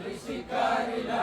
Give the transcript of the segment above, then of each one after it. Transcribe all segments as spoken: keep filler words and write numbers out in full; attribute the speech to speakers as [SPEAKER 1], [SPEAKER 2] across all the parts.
[SPEAKER 1] निघाली शिकारीला,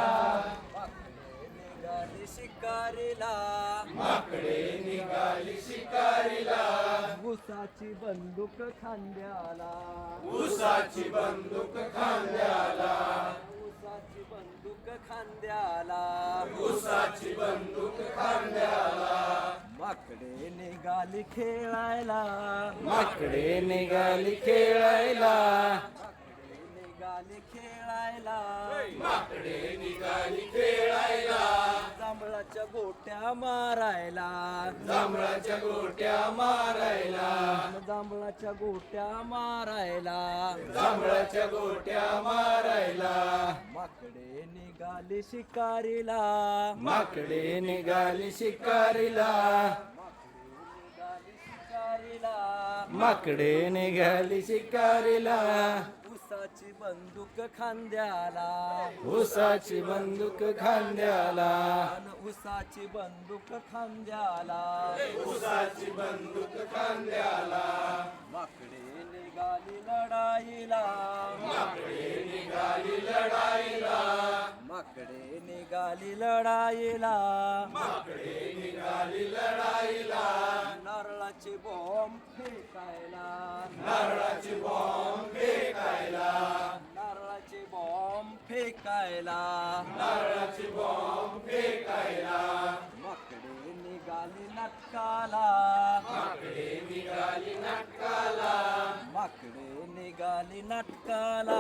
[SPEAKER 2] निघाली शिकारीला,
[SPEAKER 1] माकडे निघाली शिकारीला,
[SPEAKER 2] उसाची बंदूक खांद्याला,
[SPEAKER 1] उसाची बंदूक खांद्याला,
[SPEAKER 2] उसाची बंदूक खांद्याला,
[SPEAKER 1] उसाची बंदूक खांद्याला,
[SPEAKER 2] माकडे निघाली खेळायला,
[SPEAKER 1] माकडे निघाली खेळायला,
[SPEAKER 2] माकडे निघाली खेळायला,
[SPEAKER 1] माकडे निघाली खेळायला,
[SPEAKER 2] जांभळाच्या गोट्या मारायला,
[SPEAKER 1] जांभळाच्या गोट्या मारायला,
[SPEAKER 2] जांभळाच्या गोट्या मारायला,
[SPEAKER 1] जांभळाच्या गोट्या मारायला,
[SPEAKER 2] माकडे निघाली शिकारीला,
[SPEAKER 1] माकडे निघाली शिकारीला,
[SPEAKER 2] निघाली शिकारीला,
[SPEAKER 1] माकडे निघाली शिकारीला,
[SPEAKER 2] उसाची बंदूक खांद्याला,
[SPEAKER 1] उसाची बंदूक खांद्याला,
[SPEAKER 2] अन उसाची बंदूक खांद्याला,
[SPEAKER 1] उसाची बंदूक खांद्याला,
[SPEAKER 2] माकडे निघाली लढाईला,
[SPEAKER 1] माकडे निघाली लढाईला,
[SPEAKER 2] माकडे निघाली लढाईला,
[SPEAKER 1] माकडे निघाली लढाईला,
[SPEAKER 2] नारळाची बॉम्ब फेकायला,
[SPEAKER 1] नारळाची बॉम्ब फेकायला,
[SPEAKER 2] नारळाची बॉम्ब फेकायला,
[SPEAKER 1] नारळाची बॉम्ब फेकायला,
[SPEAKER 2] माकडे निघाली नाटकाला,
[SPEAKER 1] माकडे निघाली नाटकाला,
[SPEAKER 2] माकडे निघाली नाटकाला,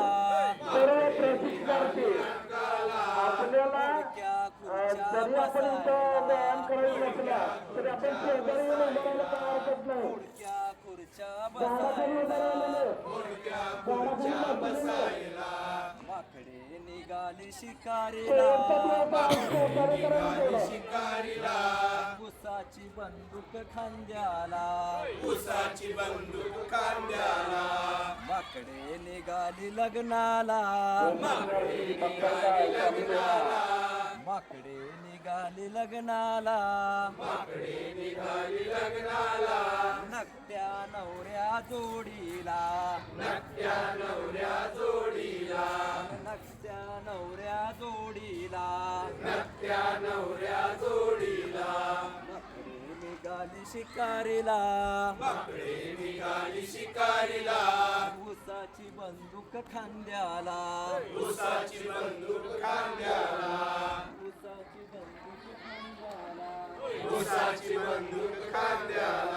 [SPEAKER 3] आपल्याला
[SPEAKER 2] क्या खुर्च्या
[SPEAKER 3] जरी आपण इथं व्यायाम करायला बसला तरी आपण शेजारी येऊन उभारायला काय हरकत नाही.
[SPEAKER 2] खुर्च्या खुर्च्या
[SPEAKER 3] झाडाखाली उभारायला
[SPEAKER 2] बसायला,
[SPEAKER 3] झाडाखाली बसायला.
[SPEAKER 2] माकडे निघाली शिकारीला,
[SPEAKER 3] सहकार्य करायला
[SPEAKER 1] शिकारीला,
[SPEAKER 2] उसाची बंदूक खांद्याला,
[SPEAKER 1] उसाची बंदूक खांद्याला,
[SPEAKER 2] माकडे निघाली लग्नाला,
[SPEAKER 1] माकडे निघाली लग्नाला,
[SPEAKER 2] माकडे निघाली लग्नाला,
[SPEAKER 1] माकडे निघाली लग्नाला,
[SPEAKER 2] नकट्या नवऱ्या जोडीला,
[SPEAKER 1] नकट्या नवऱ्या जोडीला,
[SPEAKER 2] नकट्या नवऱ्या जोडीला,
[SPEAKER 1] नकट्या नवऱ्या जोडीला,
[SPEAKER 2] माकडे निघाली शिकारीला,
[SPEAKER 1] माकडे निघाली शिकारीला,
[SPEAKER 2] उसाची बंदूक खांद्याला,
[SPEAKER 1] उसाची बंदूक खांद्याला,
[SPEAKER 2] उसाची बंदूक खांद्याला,
[SPEAKER 1] उसाची बंदूक खांद्याला,